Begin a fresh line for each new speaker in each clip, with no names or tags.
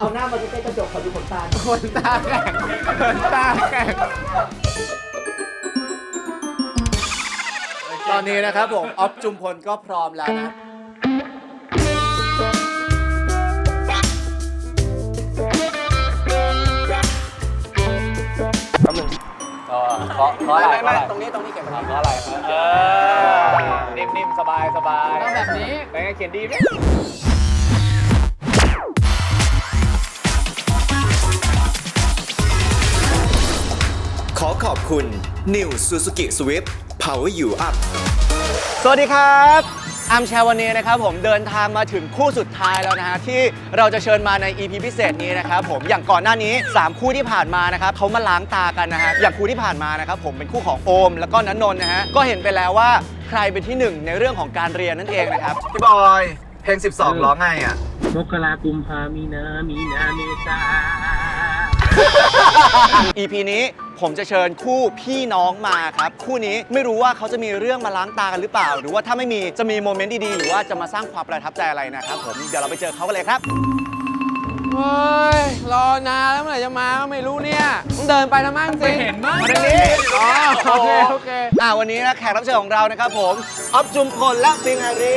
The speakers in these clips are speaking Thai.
เอาหน้ามาใกล้ๆกระจกขอดูขนตา
ขนตาแข็งขนตาแข็งตอนนี้นะครับผมออฟจุมพลก็พร้อมแล้วนะแป๊บนึงเพราะอะไรไม่ตรงนี้เก็บเพราะอะไรนิ่มๆสบายต้องแบบนี้เป็นไงเขียนดีไหม
ขอขอบคุณ New Suzuki Swift Power You Up
สวัสดีครับอาร์มแชร์วันนี้นะครับผมเดินทางมาถึงคู่สุดท้ายแล้วนะฮะที่เราจะเชิญมาใน EP พิเศษนี้นะครับผมอย่างก่อนหน้านี้3คู่ที่ผ่านมานะครับเขามาล้างตากันนะฮะอย่างคู่ที่ผ่านมานะครับผมเป็นคู่ของโอมแล้วก็ณนนท์นะฮะก็เห็นไปแล้วว่าใครเป็นที่1ในเรื่องของการเรียนนั่นเองนะครับ
พี่บอย เพลง 12 ร้องไงอ่ะ
มกรากุมภามีนาเมษา
EP นี้ผมจะเชิญคู่พี่น้องมาครับคู่นี้ไม่รู้ว่าเขาจะมีเรื่องมาล้างตากันหรือเปล่าหรือว่าถ้าไม่มีจะมีโมเมนต์ดีๆหรือว่าจะมาสร้างความประทับใจอะไรนะครับผมเดี๋ยวเราไปเจอเขากันเลยครับ
เฮ้ย รอนานแล้วเมื่อไหร่จะมาก็ไม่รู้เนี่ยต้องเดินไปแล้วมั้งสิเห็นมั้ง
มาทางนี้
อ๋อโอเค
วันนี้นะแขกรับเชิญของเรานะครับผมออฟจุมพลและปิงอารี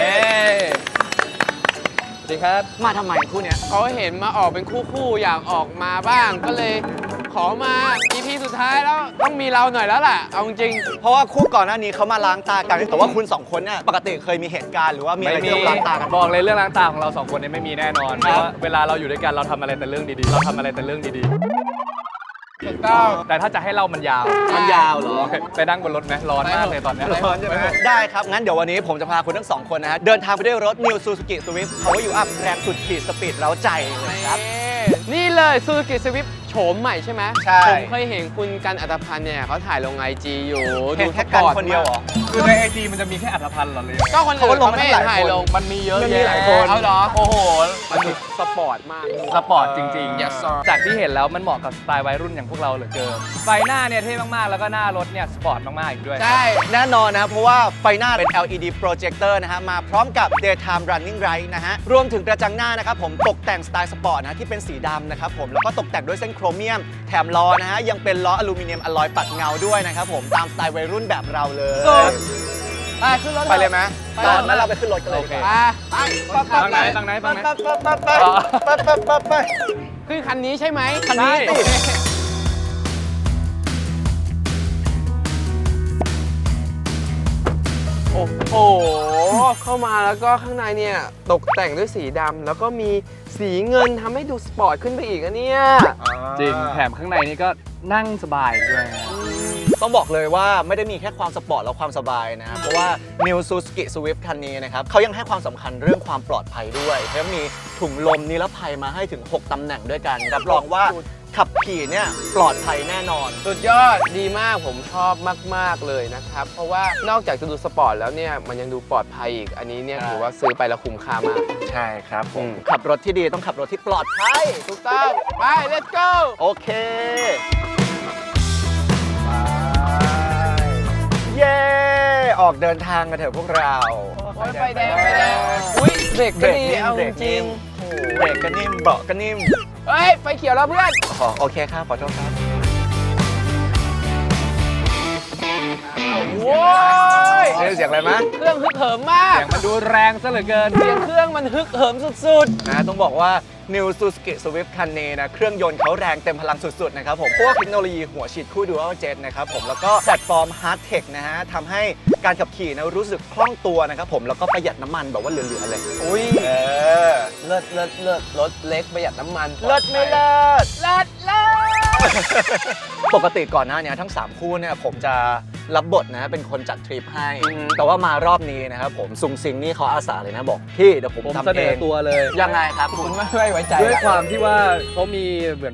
สวัสดีครับ
มาทำไมคู่เนี้ย
เขาเห็นมาออกเป็นคู่ๆอยากออกมาบ้าง ก็เลยขอมา EP สุดท้ายแล้วต้องมีเราหน่อยแล้วแหละเอาจริง
เพราะว่าคู่ก่อนหน้านี้เขามาล้างตากันแต่ว่าคุณสองคนเนี่ยปกติเคยมีเหตุการณ์หรือว่ามีอะไรที่ต้องล้างตากัน
บอกเลยเรื่องล้างตาของเราสองคนเนี่ยไม่มีแน่นอน เพราะว่าเวลาเราอยู่ด้วยกันเราทำอะไรแต่เรื่องดีๆ เราทำอะไรแต่เรื่องดี
ถูกต้อง
ๆ แต่ถ้าจะให้เล่ามันยาว
มันยาวเหรอ
ไปนั่งบนรถไหมร้อนมากเลยตอนเนี้ย
ร้อนใช่ไหมได้ครับ งั้นเดี๋ยววันนี้ผมจะพาคุณทั้งสองคนนะฮะเดินทางไปด้วยรถ New Suzuki Swift Power You Up แรงสุดขีดสปีดเร้าใจเลยครับ
นี่เลยซูซูกิสวิฟโฉมใหม่ใช่ไหม
ใช่
ผมเคยเห็นคุณกันอัตภัณฑ์เนี่ยเขาถ่ายลง IG อยู่
เห็นแค่กันคนเดียวเหรอ
คือในไอจีมันจะมีแค่อัตภัณฑ์เหรอเลย
ก็คนอื่น
เขาก็ลง
เขา
มา
ไม่
ตั้งหลาย
ถ่ายลง
มันมีเยอะ
มันมี
แยะ
หลายคน
เอาเหรอ
โอ้โห
มันดูสปอร์ตมาก
สปอร์ตจริง
Yes sir
จากที่เห็นแล้วมันเหมาะกับสไตล์วัยรุ่นอย่างพวกเราเหลือเกิน ไฟหน้าเนี่ยเท่มากๆ แล้วก็หน้ารถเนี่ยสปอร์ตมากๆอีกด้วย
ใช่
แน่นอนนะครับเพราะว่าไฟหน้าเป็น LED projector นะฮะมาพร้อมกับ daytime running light นะฮะรวมถึงกระจังหน้านะครับผมตกแต่งสไตล์สปอร์ตนะที่เป็นสีดำนะครับผมแล้วก็ตกแต่งด้วยเส้นโครเมียมแถมล้อนะฮะยังเป็นล้ออลูมิเนียมอลลอยปัดเงาด้วยนะครับผมตามสไตล์วัยรุ่นแบบเราเลย
สุด ไปขึ้นรถ
ไปเลยไหม
ไป
ตอนนั้นเราไปขึ้นรถกันเลยดีก
ไป
ว่า
ฟังไหนฟังไหนฟังไหน
ไป
ขึ้นคันนี้ใช่ไหม
คันนี้สิ
โอเคโอ้โห เข้ามาแล้วก็ข้างในเนี่ยตกแต่งด้วยสีดำแล้วก็มีสีเงินทำให้ดูสปอร์ตขึ้นไปอีกอะเนี่ย
จริง แถมข้างในนี่ก็นั่งสบายด้วยนะ
ต้องบอกเลยว่าไม่ได้มีแค่ความสปอร์ตและความสบายนะครับเพราะว่า New Suzuki Swift คันนี้นะครับเขายังให้ความสำคัญเรื่องความปลอดภัยด้วยเขามีถุงลมนิรภัยมาให้ถึง 6 ตำแหน่งด้วยกันรับรองว่าขับขี่เนี่ยปลอดภัยแน่นอน
สุดยอดดีมากผมชอบมาก ๆ เลยนะครับ เพราะว่านอกจากจะดูสปอร์ตแล้วเนี่ยมันยังดูปลอดภัยอีก อันนี้เนี่ย
ใช่
ถือว่าซื้อไปแล้วคุ้มค่ามาก
ใช่ครับผ
อื
ม
ม
ขับรถที่ดีต้องขับรถที่ปลอดภัย
ถูกต้อง ไป let's go
โอเคเย้ออกเดินทางกันเถอะพวกเรา
โอ้ยไฟแดงอุ้ยเบรกก็ดีเอา
เบรก
จริ
นิ่
ง
มเบรกก็นิ่มเบาะก็นิ่ม
เฮ้ย ไฟเขียวแล้วเพื่อน
โอเคครับขอโทษครับ
โว้ย
นี่เสียงอะไรมะ
เครื่องฮึกเหิมมาก
เสียงมันดูแรงซะเหลือเกิน
เสียงเครื่องมันฮึกเหิมสุด
นะต้องบอกว่า New Suzuki Swift คันนี้นะเครื่องยนต์เขาแรงเต็มพลังสุดๆนะครับผมพวกเทคโนโลยีหัวฉีดคู่ Dual Jet นะครับผมแล้วก็แพลตฟอร์ม Hard Tech นะฮะทำให้การขับขี่นะรู้สึกคล่องตัวนะครับผมแล้วก็ประหยัดน้ำมันแบบว่าเหลือๆเลย
ๆ อุ้ย เลิศรถเล็กประหยัดน้ำมัน
เลิศไม่เลิศ
เลิศ
ปกติก่อนหน้านี้ทั้ง 3 คู่เนี่ยผมจะรับบทนะเป็นคนจัดทริปให้ แต่ว่ามารอบนี้นะครับผมซุงซิงนี่เขาอาสาเลยนะบอกพี่เดี๋ยวผม
ผม
ทำ
เสน
เอ
อง ตัวเลย
ยังไงครับ
คุณไม่ไว้ใจ
ด้วย
อะ
ความที่ว่าเขามีเหมือนแบบ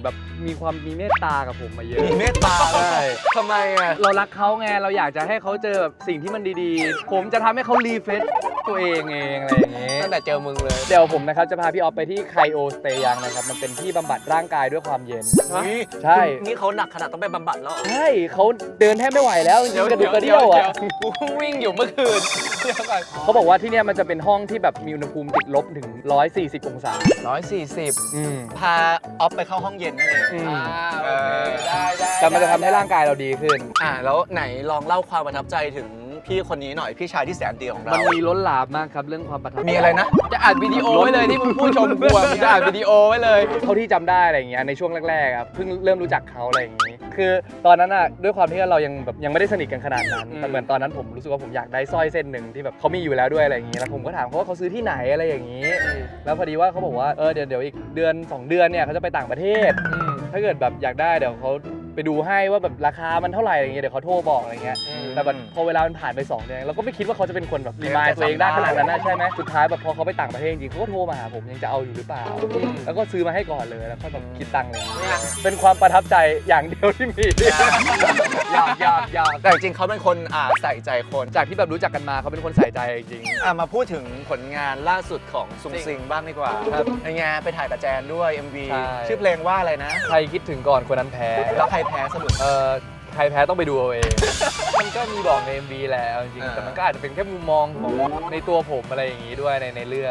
มีความมีเมตตากับผมมาเยอะ
มีเมตตา
ใช่
ทำไมอ่ะ
เรารักเขาไงเราอยากจะให้เขาเจอแบบสิ่งที่มันดีๆ ผมจะทำให้เขารีเฟรชตัวเองอะไรอย่างงี้
ตั้งแต่เจอมึงเลย
เดี๋ยวผมนะครับจะพาพี่ออฟไปที่ไคโอสเตยังนะครับมันเป็นที่บำบัดร่างกายด้วยความเย็น ใช่
นี่เขาหนักขนาดต้องไปบำบัดแล้ว
ใช่เขาเดินแทบไม่ไหวแล้วจริงๆกระดูกกระเดี่ยวอ่ะ
กูเพิ่งวิ่งอยู่เมื่อคืนเดี๋ยวก่อน
เขาบอกว่าที่เนี่ยมันจะเป็นห้องที่แบบมีอุณหภูมิติดลบถึง 140 องศา
140
อืม
พาออฟไปเข้าห้องเย็นนั่นเอง
อืม
โอเคได้
แต่มันจะทำให้ร่างกายเราดีขึ้น
แล้วไหนลองเล่าความประทับใจถึงพี่คนนี้หน่อยพี่ชายที่แสนดีของเรา
มันมีล้นหลามมากครับเรื่องความประทับใจ
มีอะไรนะ
จะอัดวิดีโอไว้เลยที่มึงพูดชมกูอะมึงจะอัดวิดีโอไว้เลย
เท่าที่จำได้อะไรอย่างเงี้ยในช่วงแรกๆครับเพิ่งเริ่มรู้จักเขาอะไรอย่างงี้ คือตอนนั้นอ่ะด้วยความที่เรายังแบบยังไม่ได้สนิทกันขนาดนั้นแต่เหมือนตอนนั้นผมรู้สึกว่าผมอยากได้สร้อยเส้นหนึ่งที่แบบเขามีอยู่แล้วด้วยอะไรอย่างงี้แล้วผมก็ถามเขาว่าเขาซื้อที่ไหนอะไรอย่างงี้ แล้วพอดีว่าเขาบอกว่าเดี๋ยวอีกเดือน 2 เดือนเนี่ยเขาจะไปต่างประเทศถ้าเกิดแบบอยากได้เดี๋ยวเขาไปดูให้ว่าแบบราคามันเท่าไหร่อะไรเงี้ยเดี๋ยวเขาโทรบอกอะไรเงี้ยแต่แบบพอเวลามันผ่านไป2 เดือนเราก็ไม่คิดว่าเขาจะเป็นคนแบบรีมายตัวเองได้ขนาดนั้นนะใช่ไหมสุดท้ายแบบพอเขาไปต่างประเทศจริงเขาก็โทรมาหาผมยังจะเอาอยู่หรือเปล่าแล้วก็ซื้อมาให้ก่อนเลยแล้วก็แบบคิดตังค์เลยเป็นความประทับใจอย่างเดียวที่มี
ยากแต่จริงๆเขาเป็นคนใส่ใจคน
จากที่แบบรู้จักกันมาเขาเป็นคนใส่ใจจริง
มาพูดถึงผลงานล่าสุดของซุงซิงบ้างดีกว่าครับในงานไปถ่ายกับแจนด้วย MV
ใช่
ชื่อเพลงว่าอะไรนะ
ใครคิดถึงก่อนคนนั้นแพ้
แล้วใครแพ้สรุป
ใครแพ้ต้องไปดูเอาเอง มันก็มีบอกใน MV แหละเอาจริงๆแต่มันก็อาจจะเป็นแค่มุมมองของในตัวผมอะไรอย่างงี้ด้วยในเรื่อง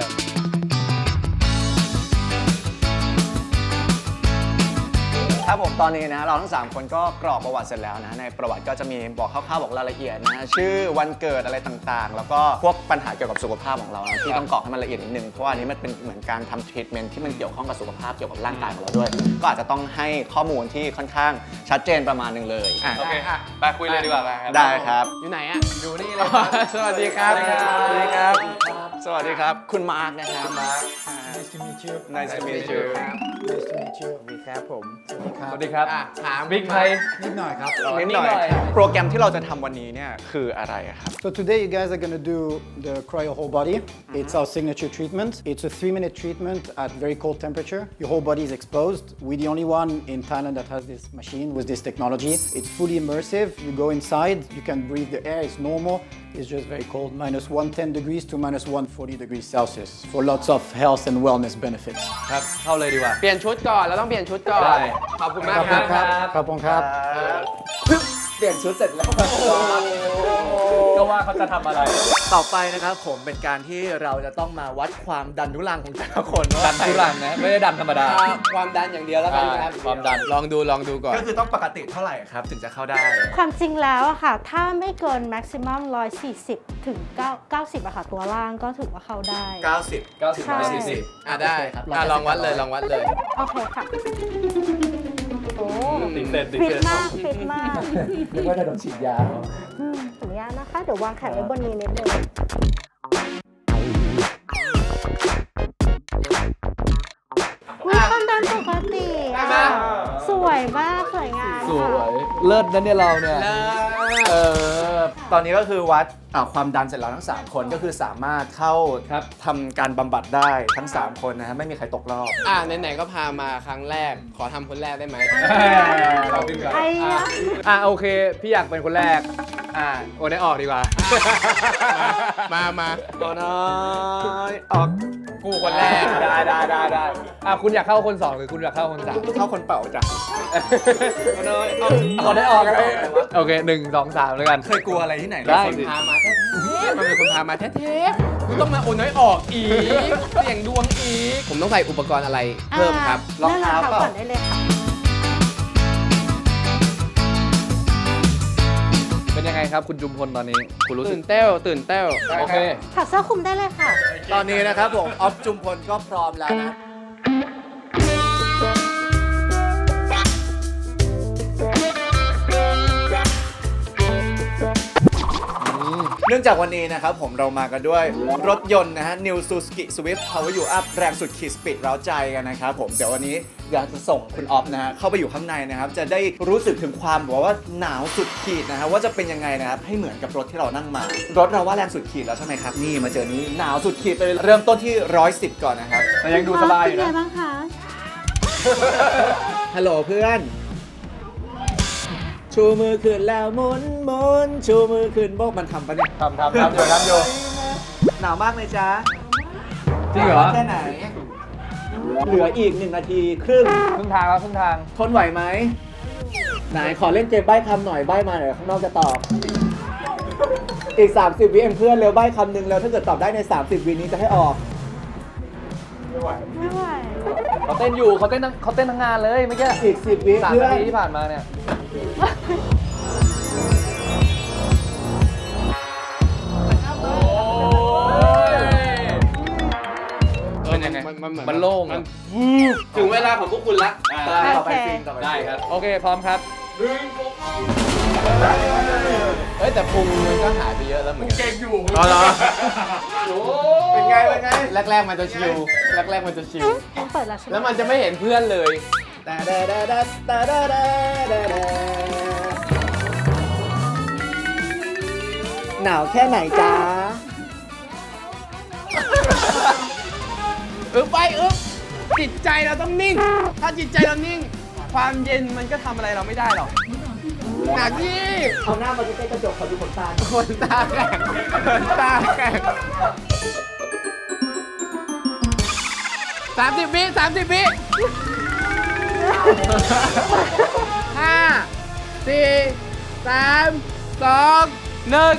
ครับผมตอนนี้นะเราทั้ง3คนก็กรอกประวัติเสร็จแล้วนะในประวัติก็จะมีบอกคร่าวๆบอกรายละเอียดนะชื่อวันเกิดอะไรต่างๆ แล้วก็พวกปัญหาเกี่ยวกับสุขภาพของเรานะที่ต้องกรอกให้มันละเอียดนิดนึงเพราะว่าอันนี้มันเป็นเหมือนการทำทรีทเมนต์ที่มันเกี่ยวข้องกับสุขภาพเกี่ยวกับร่างกายของเราด้วย ก็อาจจะต้องให้ข้อมูลที่ค่อนข้างชัดเจนประมาณนึงเลย
โอเคค่ะไปคุยเลยดีกว่า
ได้ครับ
อยู่ไหนอ่ะอยู่นี่เลยสวัสดีครับ
สวัสดีครับสวัสดีครับคุณมาร์กนะครับมาร์ก
Nice to meet you.
Nice to meet you
Nice to meet you.
สวัสดีครับผม
สวัสดีครับ
ถาม
บิ๊กไทย
นิดหน่อยครับ
นิดหน่อยโปรแกรมที่เราจะทำวันนี้เนี่ยคืออะไรครับ
So today you guys are going to do the cryo whole body. It's our signature treatment. It's a 3-minute treatment at very cold temperature. Your whole body is exposed. We're the only one in Thailand that has this machine with this technology. It's fully immersive. You go inside, you can breathe the air, it's normal. It's just very cold, minus 110 degrees to minus 140 degrees Celsius for lots of health and wellness benefits.
ครับเข้าเลยดีกว่า
เปลี่ยนชุดก่อนเราต้องเปลี่ยนชุดก่อน
ได้
ขอบคุณมากครับ
ครับผมครับ
เปลี่ยนชุดเสร็จแล้ว
ก็ว่าเขาจะทำอะไร
ต่อไปนะครับผมเป็นการที่เราจะต้องมาวัดความดันทุรังของแต่ละคนว่า
ดันทุรังนะไม่ได้ดันธรรมดา
ความดันอย่างเดียวแล้วกันครับ
ความดัน
ลองดูก่อน
ก็คือต้องปกติเท่าไหร่ครับถึงจะเข้าได้
ความจริงแล้วอะค่ะ ถ้าไม่เกิน maximum 140 ถึง 90อะค่ะ ตัวล่างก็ถือว่าเข้าได้
90
ใช่
ได้
ครับ
ลองวัดเลย
โอเคค่ะ โอ้
ติดเต้น
ฟิตมากฟิตมาก
นึกว่าจะโดนฉีดยา
ขออนุญาตนะคะ เดี๋ยววางแขนไว้บนนี้นิดนึงมีความดันปกติอะสวยมาก สวยงาม
สวย เลิศนะเนี่ยเราเนี่ย
ตอนนี้ก็คือวัดความดันเสร็จแล้วทั้ง3คนก็คือสามารถเข้า
ครับ
ทำการบำบัดได้ทั้ง3คนนะฮะไม่มีใครตกรอบ
ไหนๆก็พามาครั้งแรก ขอทำคนแรกได้ไหม
ไอ้อะ
โอเค พี่อยากเป็นคนแรก โอ้ได้ออกดีกว่า
มา
โอ้น้อยออก
กูคนแรก
ได้คุณอยากเข้าคน 2 หรือคุณอยากเข้าคน 3
เข้าคนเป่าจ้ะโอ้น้อยออก
เขาได้ออกกันเลยโอเค 1 2 3แล้วกัน
เคยกลัวอะไรที่ไหน
ได้
คนพามาแท้ๆมันเป็นคนพามาแท้ๆกูต้องมาโอนน้อยออกอีกเสี่ยงดวงอีก ผมต้องใส่อุปกรณ์อะไรเพิ่มครับ
รองเท้า
นั่งรอง
เปล่า
ก่อนได้เลยค่ะ
เป็นยังไงครับคุณจุมพลตอนนี้ คุณรู้สึ
ตื่
ก
นเต้ว
โอเค
ถอดเสื้อคลุมได้เลยค่ะ
ตอนนี้นะครับผมออฟจุมพลก็พร้อมแล้วนะ เนื่องจากวันนี้นะครับผมเรามากันด้วยรถยนต์นะฮะ New Suzuki Swift Power You Up แรงสุดขีดสปีดเร้าใจกันนะครับผมเดี๋ยววันนี้อยากจะส่งคุณออฟนะฮะเข้าไปอยู่ข้างในนะครับจะได้รู้สึกถึงความแบบว่าหนาวสุดขีดนะฮะว่าจะเป็นยังไงนะครับให้เหมือนกับรถที่เรานั่งมารถเราว่าแรงสุดขีดแล้วใช่ไหมครับนี่มาเจอนี้หนาวสุดขีดไปเลยเริ่มต้นที่110ก่อนนะครับ
แต่ยังดูสบายอยู่
เป็น
นะ
ไงบ้างคะ
ฮัลโหลเพื่อน ชูมือขึ้นแล้วหมุนหมุนชูมือขึ้นโบกมันทำปะเนี่ย
ทำอยู่
หนาวมากไหมจ๊ะ
จริงเหรอ
แค่ไหน เหลืออีก1 นาทีครึ่ง
ครึ่งทางแล้วครึ่งทาง
ทนไหวไหม ไหนขอเล่นเกมใบ้คำหน่อยใบ้มาเดี๋ยวข้างนอกจะตอบ อีก 30 วิเองเพื่อนเร็วใบ้คำหนึ่งแล้วถ้าเกิดตอบได้ใน 30 วินี้จะให้ออก
ไม่ไหว
เขาเต้นอยู่เขาเต้นทั้งงานเลยเมื่อกี้
อีก 10 วิ
3
เพื่อ
นาทีที่ผ่านมาเนี่ย เป็นยังไง มันโล่งอะ
ถึงเวลาของพวกคุณละ
ต่อไปซิงต่อไป
ได้ครับ โอเค พร้อมครับ
เฮ้ยแต่พุงมันก็หายไปเยอะแล้วเหมือนกันเก่งอยู่
อ๋อเหรอ
เป็นไงแรกๆมันจะชิลแรกๆมันจะชิล
ต้องเปิดแล้วใช่ไหม
แล้วมันจะไม่เห็นเพื่อนเลย
หนาวแค่ไหนจ๊ะ
จิตใจเราต้องนิ่ง ถ้าจิตใจเรานิ่ง ความเย็นมันก็ทำอะไรเราไม่ได้หรอกหนักยี่
เอาหน้ามาใกล้ๆกระจกขอดูขนตา
คนตาแข็งคนตาแข็ง30 วิ30 วิห้าสี่สามสองหนึ่ง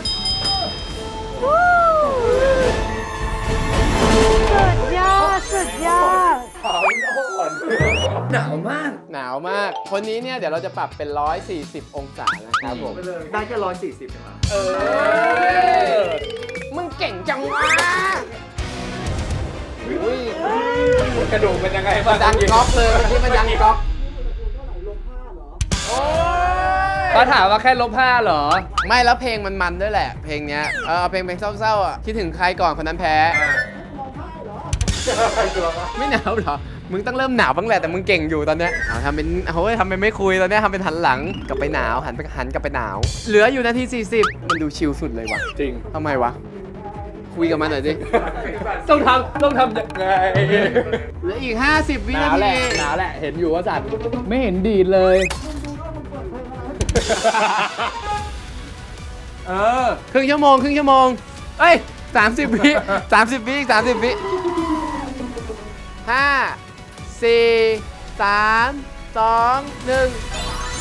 สุดยอด สุดยอด
หนาวมาก คนนี้เนี่ยเดี๋ยวเราจะปรับเป็น 140 องศานะครับผม
ได้แค่140เองเหรอ
มึงเก่งจังวะอุ้ย
กระดูกเป็นยังไงบ้าง
ดังก๊อกเลยเมื่อกี้มันดังก๊อก
เขาถามว่าแค่-5เหรอ
ไม่แล้วเพลงมันด้วยแหละ เพลงเนี้ยเอาเพลงเศร้าๆอ่ะคิดถึงใครก่อนคนนั้นแพ้ ไม่หนาวเหรอ มึงต้องเริ่มหนาวบ้างแหละแต่มึงเก่งอยู่ตอนเนี้ยเอาทำเป็นไม่คุยตอนเนี้ยทำเป็นหันหลังกลับไปหนาวหันกลับไปหนาว เหลืออยู่นาที 40 มันดูชิลสุดเลยว่ะ
จริง
ทำไมวะ คุยกับมันหน่อยสิ
ต้องทำยังไง
เหลืออีก 50 วิ
หนา
นาว
แหละ
ที
หนาวแหละ เห็นอยู่ว่าสั่นไม่เห็นดีดเลย
ครึ่งชั่วโมงเอ้ย30 วิ30 วิอีก30 วิ5 4 3 2 1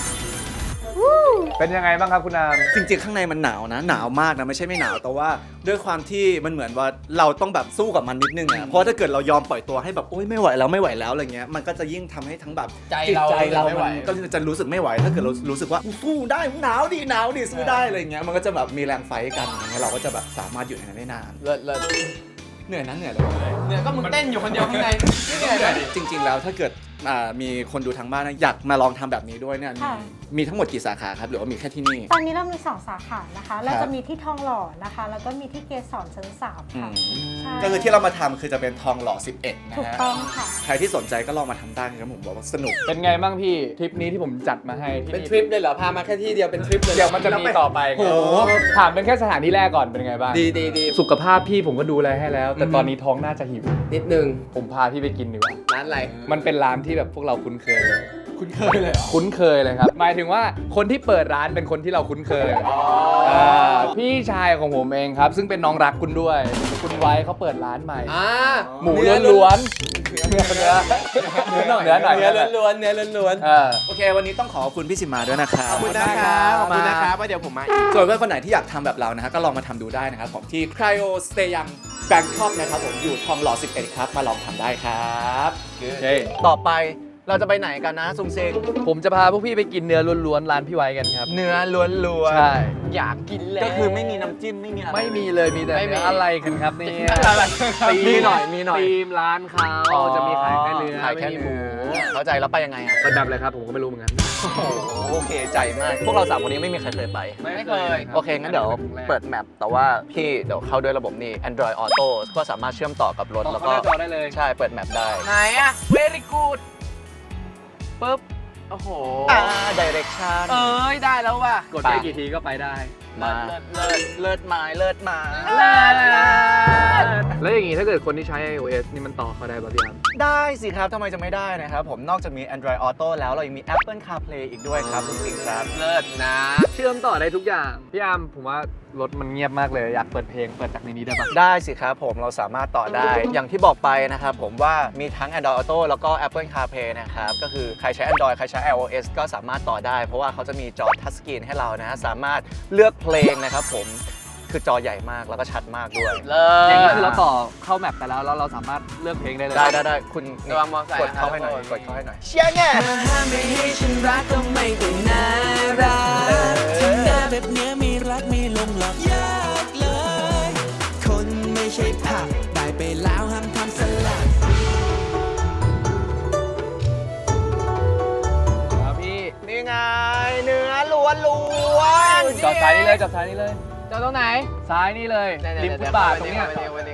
เป็นยังไงบ้างครับคุณนาม
จริงๆ ข้างในมันหนาวนะ หนาวมากนะ ไม่ใช่ไม่หนาว แต่ว่าด้วยความที่มันเหมือนว่าเราต้องแบบสู้กับมันนิดนึงอะเพราะถ้าเกิดเรายอมปล่อยตัวให้แบบโอ๊ยไม่ไหวแล้วอะไรเงี้ย มันก็จะยิ่งทำให้ทั้งแบบ
ใจ
จิต
เรา
ใจเรา
ไม่ไหว
มันก็จะรู้สึกไม่ไหว ถ้าเกิดเรารู้สึกว่าสู้ได้หนาวดิสู้ได้อะไรเงี้ย มันก็จะแบบมีแรงไฟท์กันอย่างเงี้ยเราก็จะแบบสามารถอยู่ในนั้นได้นาน
เลิศ
เหนื่อยนะเหนื่อยเลย
เนี่ยก็มึงเต้นอยู่คนเดียวข้างในไม่เหนื่อยเลย
จริงๆ แล้วถ้าเกิดมีคนดูทางบ้านนะอยากมาลองทำแบบนี้ด้วยเนี่ย
ค่ะ
มีทั้งหมดกี่สาขาครับหรือว่ามีแค่ที่นี่
ตอนนี้เรามี 2 สาขานะคะ เราจะมีที่ทองหล่อนะคะ แล้วก็มีที่เกสรชั้น 3 ค่ะ ใช่
ก็คือที่เรามาทำคือจะเป็นทองหล่อ 11 นะ
ถูก
ฮะ
ต้องค่ะ
ใครที่สนใจก็ลองมาทำได้นะครับผมบอกว่าสนุก
เป็นไงบ้างพี่ทริปนี้ที่ผมจัดมาให้ที่
เป็นทริปเลยเหรอ พามาแค่ที่เดียวเป็นทริปเลย
เดี๋ยวมันจะมีต่อไป
โอ้โห
ถามเป็นแค่สถานที่แรกก่อนเป็นไงบ้าง
ดี
สุขภาพพี่ผมก็ดูแลให้แล้ว แต่ตอนนี้ท้องน่าจะหิว
นิดนึง
ผมพาพี่ไปกินดีกว่า
ร้านอะไร
มันเป็นร้านที่แบบพวกเราคุ้นเคย
คุณเคยเลยเหรอ
คุ้นเคยเลยครับ หมายถึงว่าคนที่เปิดร้านเป็นคนที่เราคุ้นเคยพี่ชายของผมเองครับ ซึ่งเป็นน้องรักคุณด้วย คุณไว้เขาเปิดร้านใหม่ หมูล้วนๆเนื้อหน่อย
เนื้อล้วนๆเนื้อล้วน
โอเค วันนี้ต้องขอบคุณพี่สิมาด้วยนะครับ
ขอบคุณนะครับขอบคุณนะครับว่าเดี๋ยวผมมาอีก
ส่วนเพื่อนคนไหนที่อยากทำแบบเรานะฮะก็ลองมาทำดูได้นะครับผมที่ Cryo Stay Young Bangkok นะครับผมอยู่ทองหล่อ 11 ครับ มาลองทำได้ครับ
โอเค
ต่อไปเราจะไปไหนกันนะซุงเซง
ผมจะพาพวกพี่ไปกินเนื้อล้วนๆร้านพี่ไว้กันครับ
เนื้อล้วน
ใช่
อยากกินแล้ว
ก็คือไม่มีน้ำจิ้มไม่มีอะไร
ไม่มีเลยมีแต่
ไม่มี
เนื้ออะไรกันครับเนี่ย
มีหน่อย
ธีมร้านเขาจะมีขายแค่เนื้อ
ขายแค่
ไม่มีห
หมู
มู
เข้าใจแล้วไปยังไงอ่ะ
เป็นแบบอะไรครับผมก็ไม่รู้เหมือนกัน
โอเคใจมาก พวกเรา3คนนี้ไม่มีใครเคยไป
ไม่เคย
โอเค งั้นเดี๋ยวเปิดแมปแต่ว่าพี่เดี๋ยวเข้าด้วยระบบนี้ Android Auto ก็สามารถเชื่อมต่อกับรถ แล้วก็
เข้าหน้าจอได้เลย
ใช่ เปิดแมปได้
ไหนอะ very good ปึ๊บ โอ้โห
Direction
เอ้ย ได้แล้วว่ะ
กดไปกี่ทีก็ไปได้
มา เลิศไม้เลิศไม้
แล้วอย่างงี้ถ้าเกิดคนที่ใช้ iOS นี่มันต่อเขาได้ป่ะพี่อาร์ม
ได้สิครับทำไมจะไม่ได้นะครับผมนอกจากมี Android Auto แล้วเรายังมี Apple CarPlay อีกด้วยครับทุกสิ่งครับ
เลิศนะ
เชื่อมต่อได้ทุกอย่าง พี่อาร์มผมว่ารถมันเงียบมากเลย อยากเปิดเพลงเปิดจากในนี้ได้ปะ
ได้สิครับผมเราสามารถต่อได้ อย่างที่บอกไปนะครับผมว่ามีทั้ง Android Auto แล้วก็ Apple CarPlay นะครับก็คือใครใช้ Android ใครใช้ iOS ก็สามารถต่อได้ เพราะว่าเขาจะมีจอทัชสกรีนให้เรานะฮะสามารถเลือกเพลงนะครับผมคือจอใหญ่มากแล้วก็ชัดมากด้วย
เลิศ
อย่างนี้คือเราต่อเข้าแมปไปแล้วเราสามารถเลือกเพลงได้เลย
ได้คุณ
ระวังมอเตอร์ไซค์
กดเข้าให้หน่อย
นะ
กดเข้าให้หน่อยเชียร์แน่
ไม่ให้ฉันรักก็ไม่ต้องน่ารักทำหน้าแบบเนี้ยมีรักมีลงหลอกยากเลย คนไม่ใช่ผักได้ไปแล้วห้ามทำสลัด
ครับพี่
นี่ไงเนื้อล้วน
จอดซ้ายนี่เลยจอดซ้ายนี่เลย
เจ้าตรงไหน
ซ้ายนี่เลยริมฟุตบาทตรงเนี้ย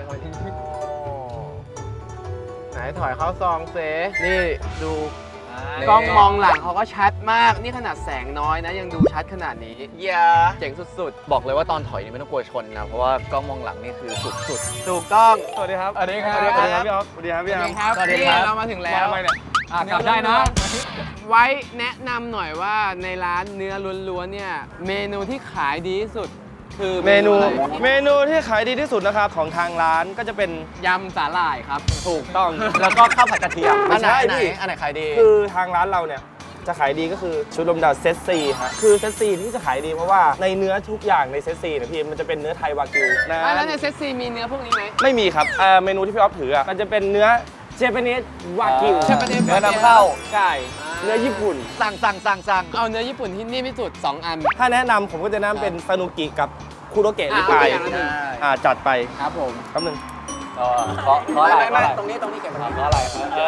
ไหนถอยเข้าซองเซนี่ดู
นี่
กล้องมองหลังเขาก็ชัดมาก นี่ขนาดแสงน้อยนะ ยังดูชัดขนาดนี้
อย่า
เจ๋งสุด
บอกเลยว่าตอนถอยนี่ไม่ต้องกลัวชนนะ เพราะว่ากล้องมองหลังนี่คือสุด
ๆ ถูกต้อง
สวัสดีครับ สวัสดีครับ
สวัสดีครับ
พี่อ๊อฟสวัสดีครับพี่อาร์ม
ครับ
สวัสดีครับ
นี่เรามาถึงแล้ว
ทำไมเนี่ยกลับได้นะ
ไว้แนะนำหน่อยว่าในร้านเนื้อล้วนๆเนี่ย เมนูที่ขายดีที่สุด คือ
เมนู
อะไร
เมนูที่ขายดีที่สุดนะครับของทางร้านก็จะเป็น
ยำสาหร่ายครับ
ถูกต้อง
ๆ แล้วก็ข้าวผัดกระเทียม
ไม่ใช่
อันไหน
พี่
อันไหนขายดี
คือทางร้านเราเนี่ยจะขายดีก็คือชุดลมดาวเซตซีฮะคือเซตซีที่จะขายดีเพราะว่าในเนื้อทุกอย่างในเซตซีเนี่ยพี่มันจะเป็นเนื้อไทยวากิวนะ
แล้วในเซตซีมีเนื้อพวกนี้ไหม
ไม่มีครับเมนูที่พี่อ๊อฟถืออ่ะมันจะเป็นเนื้อเจแปนิสวากิว
Japanese
เนื้อนำเข้าใช่เนื้อญี่ปุ่น
สั่ง
เอาเนื้อญี่ปุ่นที่นิ่มที่สุด 2 อัน
ถ้าแนะนำผมก็จะแนะนำเป็นซานุกิกับคุโรเกะลิปาย
เอาไปอย่างละหนึ่ง
จัดไป
ครับผม
แป๊บนึง
เพราะอะไรเพราะอะไร
ตรงนี้เก็บไว้
เพราะอะไร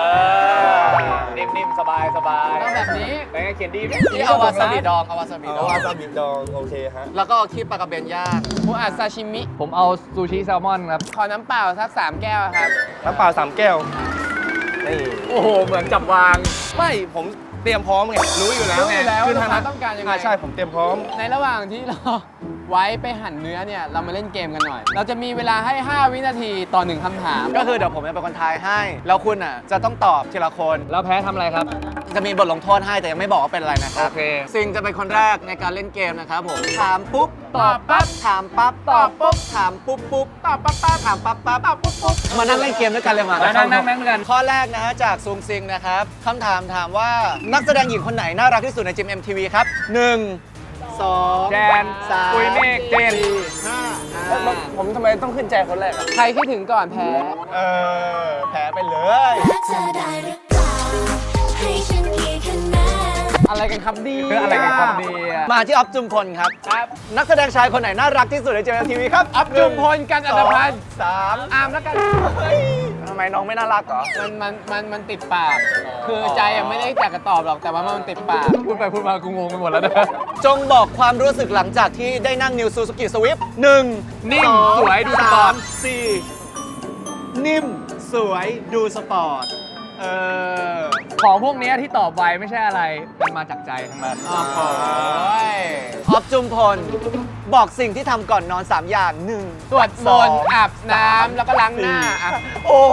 นิ่มๆสบายสบาย
ต้องแบบนี้
เป็นไงเขียนดีไหม
นี่เอาวาซาบิดองเอาวาซาบิด
เอา
อง
วาซาบิดองโอเคฮะ
แล้วก็คีบปลากระเบนย่าง
ผู้อัดซาชิมิ
ผมเอาซูชิแซลมอนครับ
ขอน้ำเปล่าสัก3 แก้วครับ
น้ำเปล่า3 แก้ว นี่
โอ้โห เหมือนจับวาง
ไม่ผมเตรียมพร้อมไง รู้อยู่แล้ว
รู้อยู่แล้ว
คือ
ว่า
ทาง
ลูกค้าต้องการยังไง
ใช่ผมเตรียมพร้อม
ในระหว่างที่เรา ไว้ไปหั่นเนื้อเนี่ย เรามาเล่นเกมกันหน่อย เราจะมีเวลาให้ 5 วินาทีต่อ 1คำถาม
ก็คือเดี๋ยวผมจะเป็นคนทายให้ แล้วคุณอ่ะจะต้องตอบทีละคน
แล้วแพ้ทำอะไรครับ
จะมีบทลงโทษให้แต่ยังไม่บอกว่าเป็นอะไรนะครับ
โอเค
ซิงจะเป็นคนแรกในการเล่นเกมนะครับผม ถามปุ๊บ ตอบปั๊บ ถามปั๊บ ตอบปุ๊บ ถามปุ๊บปุ๊บ ตอบปั๊บปั๊บ ถามปั๊บปั๊บ ตอบปุ๊บปุ๊บ มานั่งเล่นเกมด้วยกันเลยมา
นั่งกัน
ข้อแรกนะฮะจากซุงซิงนะครับคำถามถามว่านักแสดงหญิงคนไหนน่ารักที่สุดในจิม MTV ครับ 1 2
แจน
3
ปุยเมฆเจน
4
ผมทำไมต้องขึ้นใจคนแรกอะ
ใครคิดถึงก่อนแพ้
5แพ้ไปเลย
เธอได้หรือเปล่าให้ฉันกี่คะแนน
อะไรกันครับดี
อะไรกันครับดีอะ
มาที่ออฟจุมพลครับ นักแสดงชายคนไหนน่ารักที่สุดในจิม MTV ครับ
อัพจุมพลกันอัตพันธ์
3
อาร์มแล้วกัน
ทำไมน้องไม่น่ารักเหรอ
มันติดปาก คือใจอะไม่ได้อยากจะตอบหรอก แต่ว่ามันติดปาก
พูดไปพูดมากูงงไปหมดแล้วนะ
จงบอกความรู้สึกหลังจากที่ได้นั่ง New Suzuki Swift 1
นิ่มสวยดูสปอร์ต
4 นิ่ม สวยดูสปอร์ต
ของพวกเนี้ยที่ตอบไวไม่ใช่อะไร มันมาจากใจทั้งนั้น
ออฟจุมพล บอกสิ่งที่ทำก่อนนอน 3 อย่าง 1
สวดมนต์อาบน้ำแล้วก็ล้างหน้าอ่ะ
โอ้โห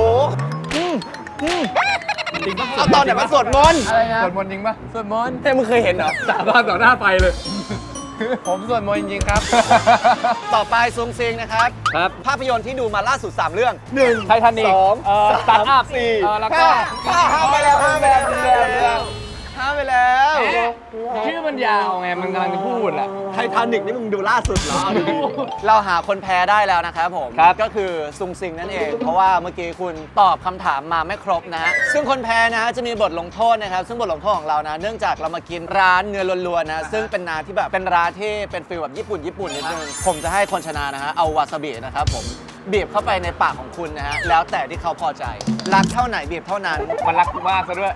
เอาตอนไหนมาสวดมนต์
อะไรนะ
สวดมนต์จริงปะ
สวดมนต์
แต่มึงเคยเห็นเหรอ
สาบานต่อหน้าไฟเลย
ผมสวดมนต์จริงๆครับ
ต่อไปซุงซิงนะครับ
ครับ
ภาพยนตร์ที่ดูมาล่าสุด 3 เรื่อง
ไททานิก
2
สตาร์ทอัพ
4
แล้วก็
ห้าไปแล้วห้าไปแล้วห้าไปแล้ว
ชื่อมันยาวไง มันกำลังจะพูดแหละ
ไททานิกนี่มึงดูล่าสุดเหรอเอาดีๆเราหาคนแพ้ได้แล้วนะครับผม
ครับ
ก็คือซุงซิงนั่นเอง เพราะว่าเมื่อกี้คุณตอบคำถามมาไม่ครบนะฮะซึ่งคนแพ้นะฮะจะมีบทลงโทษนะครับ ซึ่งบทลงโทษของเรานะ เนื่องจากเรามากินร้านเนื้อล้วนๆนะซึ่งเป็นร้านที่แบบเป็นร้านที่เป็นฟีลแบบญี่ปุ่นนิดนึงผมจะให้คนชนะนะฮะเอาวาซาบินะครับผมบีบเข้าไปในปากของคุณนะฮะแล้วแต่ที่เขาพอใจรักเท่าไหนบีบเท่านั้น
มันรักกูมากซะด้วย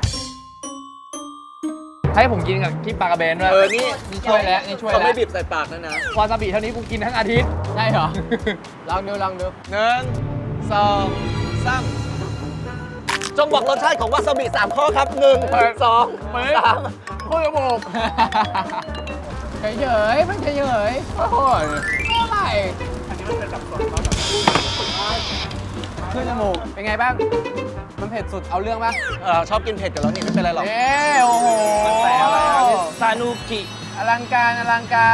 ให้ผมกินกับที่ปลากระเบนด้วย
นี่
นี่ช่วยแล้วนี่ช่วย
เขา
แล้ว
ไม่บีบใส่ปากนะนะ
วาซาบิเท่านี้กูกินทั้งอาทิตย์
ใช่เหรอ ลองดู
1 2 3 จงบอกรสชาติของวาซาบิ 3 ข้อครับ 1 2 3
โคตรจมูกเฉยๆมันเฉยๆโอ้ยไม่อะไรอันนี้มันเป็นแบบสดขึ้นจมูก เป็นไงบ้าง มันเผ็ดสุดเอาเรื่องปะ
ชอบกินเผ็ดอยู่แล้วนี่ไม่เป็นไรหรอก
เอ้โอ้โห
แต่อะไรครับซานูกิ
อลังการอลังการ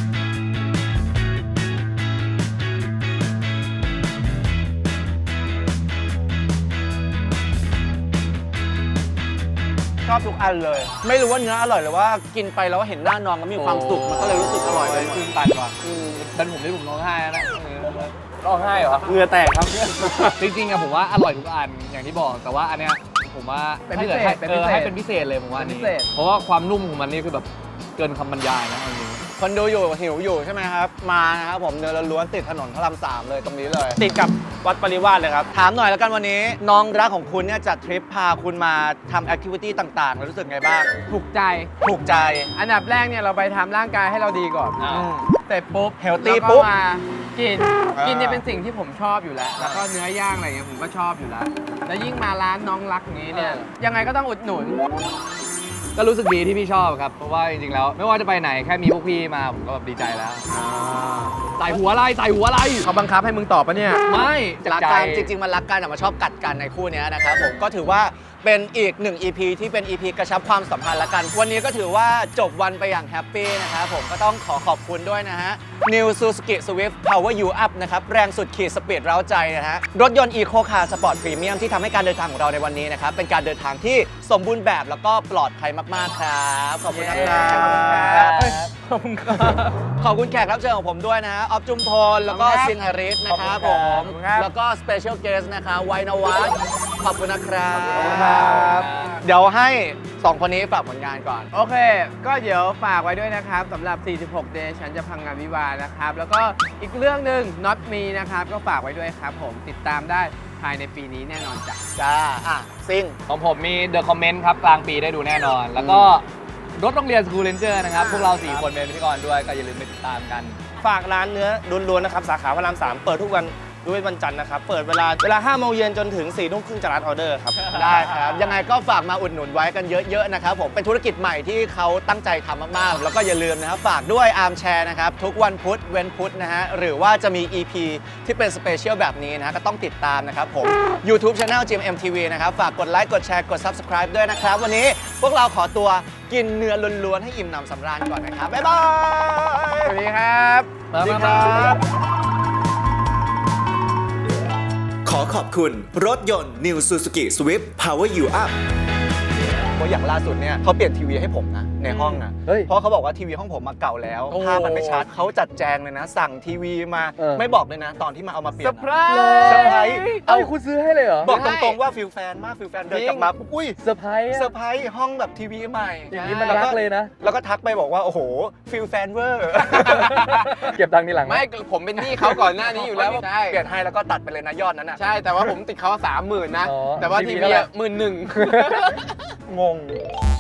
ชอบทุกอันเลย ไม่รู้ว่าเนื้ออร่อยหรือว่ากินไปแล้วเห็นหน้าน้องก็มีความสุขมันก็เลยรู้สึกอร่อยไปหมด
คืนตันว่ะเป็นผมที่ผมร้องไห้แล้วนะ
ร้องไห้เหรอเหงื่อแตกครับ
จริงๆอะผมว่าอร่อยทุกอันอย่างที่บอกแต่ว่าอันเนี้ยผมว่า
เป็นพิเศษ
ให้
เป็นพิเศษ
ให้เป็นพิเศษเลยผมว่าอัน
เป็น
นี้
พิเศษ
เพราะว่าความนุ่มของมันนี่คือแบบเกินคำบรรยายนะเอาจริง
คนดูอยู่หิวอยู่ใช่ไหมครับ มานะครับผมเนื้อล้วนๆติดถนนพระราม3เลยตรงนี้เลย
ติดกับวัดปริวาสเลยครับ
ถามหน่อยแล้วกันวันนี้ น้องรักของคุณเนี่ยจัดทริปพาคุณมาทำแอคทิวิตี้ต่างๆแล้วรู้สึกไงบ้าง
ถูกใจ
ถูกใจ
อันดับแรกเนี่ยเราไปทำร่างกายให้เราดีก่อน เสร็จปุ๊บ
Healthy
แล้วก็
ปุ๊บ
มากิน
อ่ากิ
กินเนี่ยเป็นสิ่งที่ผมชอบอยู่แล้ว แล้วก็เนื้อย่างอะไรเงี้ยผมก็ชอบอยู่แล้ว แล้วยิ่งมาร้านน้องรักนี้เนี่ย ยังไงก็ต้องอุดหนุน
ก็รู้สึกดีที่พี่ชอบครับเพราะว่าจริงๆแล้วไม่ว่าจะไปไหนแค่มีพวกพี่มาผมก็แบบดีใจแล้วใส่หัวอะไรใส่หัวอะไร
เขาบังคับให้มึงตอบปะเนี่ย
ไม่
รักกันจริงๆมันรักกันแต่มันชอบกัดกันในคู่เนี้ยนะครับผมก็ถือว่าเป็นอีกหนึ่ง EP ที่เป็น EP กระชับความสัมพันธ์ละกัน วันนี้ก็ถือว่าจบวันไปอย่างแฮปปี้นะครับผมก็ต้องขอบคุณด้วยนะฮะ New Suzuki Swift Power You Up นะครับแรงสุดขีดสปีดเร้าใจนะฮะรถยนต์ Eco Car Sport Premium ที่ทำให้การเดินทางของเราในวันนี้นะครับเป็นการเดินทางที่สมบูรณ์แบบแล้วก็ปลอดภัยมากๆครับขอบคุณนะครับขอบคุณครับขอบคุณแขกรับเชิญของผมด้วยนะฮะออฟจุมพลแล้วก็ซิงหริสนะครับผมแล้วก็ Special Guest นะคะไวนวัฒน์ขอบคุณนะครับ เดี๋ยวให้ 2 คนนี้ฝากผลงานก่อน
โอเค ก็เดี๋ยวฝากไว้ด้วยนะครับสำหรับ 46 Day ฉันจะพังงานวิวาห์นะครับ แล้วก็อีกเรื่องหนึ่ง Not Me นะครับ ก็ฝากไว้ด้วยครับผมติดตามได้ภายในปีนี้แน่นอนจ้ะ
จ้า ซิง
ของผมมี The Comment ครับกลางปีได้ดูแน่นอน แล้วก็รถโรงเรียน School Ranger นะครับพวกเรา4คนเป็นพิธีกรด้วยก็อย่าลืมไปติดตามกัน
ฝากร้านเนื้อล้วนๆนะครับ สาขาพระราม 3 เปิดทุกวันด้วยวันจันทร์นะครับ เปิดเวลา 5 โมงเย็นจนถึง 4 ทุ่มครึ่งจะรับออเดอร์ครับ
ได้ครับ ยังไงก็ฝากมาอุดหนุนไว้กันเยอะๆนะครับผมเป็นธุรกิจใหม่ที่เขาตั้งใจทำมากๆ แล้วก็อย่าลืมนะครับฝากด้วยอาร์มแชร์นะครับทุกวันพุธเว้นพุธนะฮะหรือว่าจะมี EP ที่เป็นสเปเชียลแบบนี้นะฮะก็ต้องติดตามนะครับผม YouTube Channel GMMTV นะครับฝากกดไลค์กดแชร์กด Subscribe ด้วยนะครับ วันนี้พวกเราขอตัวกินเนื้อล้วนๆให้อิ่มหนำสำราญก่อนนะครับบ๊ายบาย
สวัสดีครับ
สวัสดีครับ
ขอขอบคุณรถยนต์ New Suzuki Swift Power You Up
เพราะอย่างล่าสุดเนี่ยเขาเปลี่ยนทีวีให้ผมนะในห้องนะ
เฮ้ย
เพราะเขาบอกว่าทีวีห้องผมมาเก่าแล้ว
โอ้
ภาพมันไม่ชัดเขาจัดแจงเลยนะ สั่งทีวีมา ไม่บอกเลยนะ ตอนที่มาเอามาเปลี่ยน
เซอร์ไพรส์
เซอร์ไพรส์
เอ้าคุณซื้อให้เลยเหรอ
บอกตรงๆว่าฟิลแฟนมากฟิลแฟนเดินกลับมาปุ๊บอุ้ย
เซอร์ไพรส์
เซอร์ไพรส์ห้องแบบทีวีใหม่
อย่างนี้มันรักเลยนะ
แล้วก็ทักไปบอกว่าโอ้โหฟิลแฟนเวอร์
เก็บตังค์ทีหลัง
ไม่ผมเป็นหนี้เขาก่อนหน้านี้อยู่แล้วใช่
เปลี่ยนให้แล้วก็ตัดไปเลยนะยอดนั้นน่ะ
ใช่แต่ว่าผมติดเขา30,000นะ
อ๋อ
แต่ว่า
ที
ที
วี
วี
เท่าไหร่
11,000
งง